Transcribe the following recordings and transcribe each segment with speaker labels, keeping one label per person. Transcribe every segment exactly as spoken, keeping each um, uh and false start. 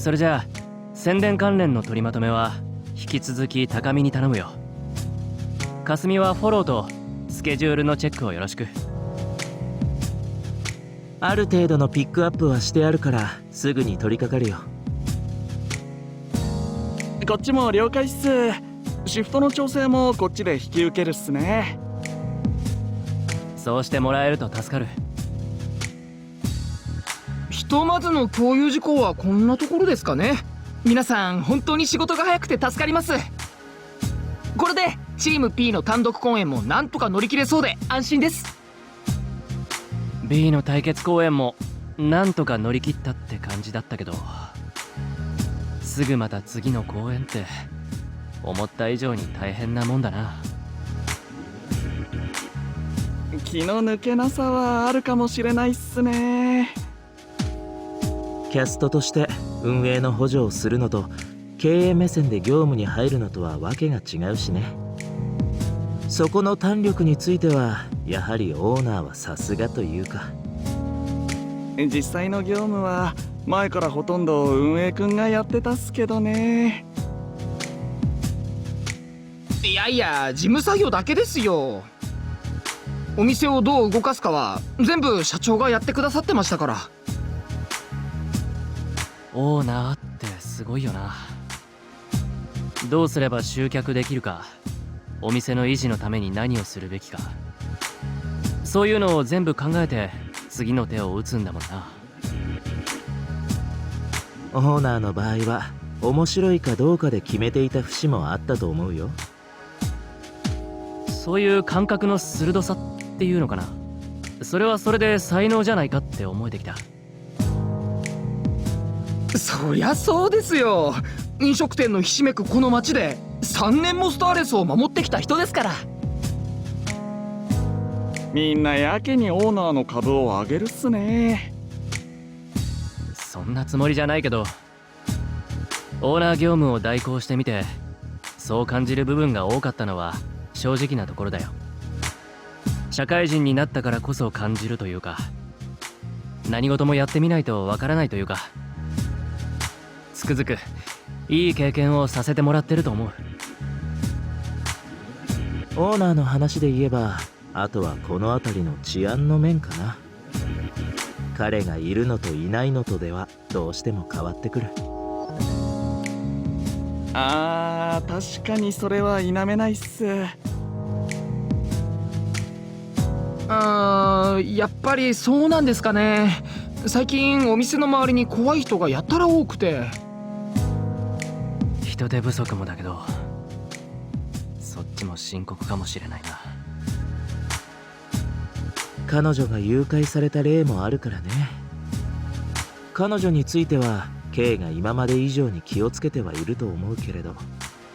Speaker 1: それじゃあ宣伝関連の取りまとめは引き続き高見に頼むよ。霞はフォローとスケジュールのチェックをよろしく。
Speaker 2: ある程度のピックアップはしてあるからすぐに取り掛かるよ。
Speaker 3: こっちも了解っす。シフトの調整もこっちで引き受けるっすね。
Speaker 1: そうしてもらえると助かる。
Speaker 4: ひとまずの共有事項はこんなところですかね。皆さん本当に仕事が早くて助かります。これでチーム P の単独公演もなんとか乗り切れそうで安心です。
Speaker 1: B の対決公演もなんとか乗り切ったって感じだったけど、すぐまた次の公演って思った以上に大変なもんだな。
Speaker 3: 気の抜けなさはあるかもしれないっすね。
Speaker 2: キャストとして運営の補助をするのと経営目線で業務に入るのとはわけが違うしね。そこの胆力についてはやはりオーナーはさすがというか。
Speaker 3: 実際の業務は前からほとんど運営くんがやってたっすけどね。
Speaker 4: いやいや事務作業だけですよ。お店をどう動かすかは全部社長がやってくださってましたから。
Speaker 1: オーナーってすごいよな。どうすれば集客できるか、お店の維持のために何をするべきか、そういうのを全部考えて次の手を打つんだもんな。
Speaker 2: オーナーの場合は面白いかどうかで決めていた節もあったと思うよ。
Speaker 1: そういう感覚の鋭さっていうのかな、それはそれで才能じゃないかって思えてきた。
Speaker 4: そりゃそうですよ。飲食店のひしめくこの街でさんねんもスターレスを守ってきた人ですから。
Speaker 3: みんなやけにオーナーの株を上げるっすね。
Speaker 1: そんなつもりじゃないけど、オーナー業務を代行してみてそう感じる部分が多かったのは正直なところだよ。社会人になったからこそ感じるというか、何事もやってみないとわからないというか、つくづくいい経験をさせてもらってると思う。
Speaker 2: オーナーの話で言えばあとはこの辺りの治安の面かな。彼がいるのといないのとではどうしても変わってくる。
Speaker 3: あー、確かにそれは否めないっす。
Speaker 4: あーやっぱりそうなんですかね。最近お店の周りに怖い人がやたら多くて。
Speaker 1: 人手不足もだけど、そっちも深刻かもしれないな。
Speaker 2: 彼女が誘拐された例もあるからね。彼女については K が今まで以上に気をつけてはいると思うけれど。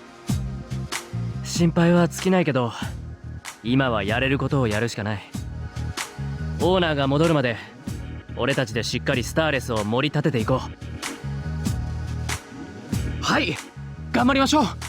Speaker 1: 心配は尽きないけど、今はやれることをやるしかない。オーナーが戻るまで俺たちでしっかりスターレスを盛り立てていこう。
Speaker 4: はい、頑張りましょう。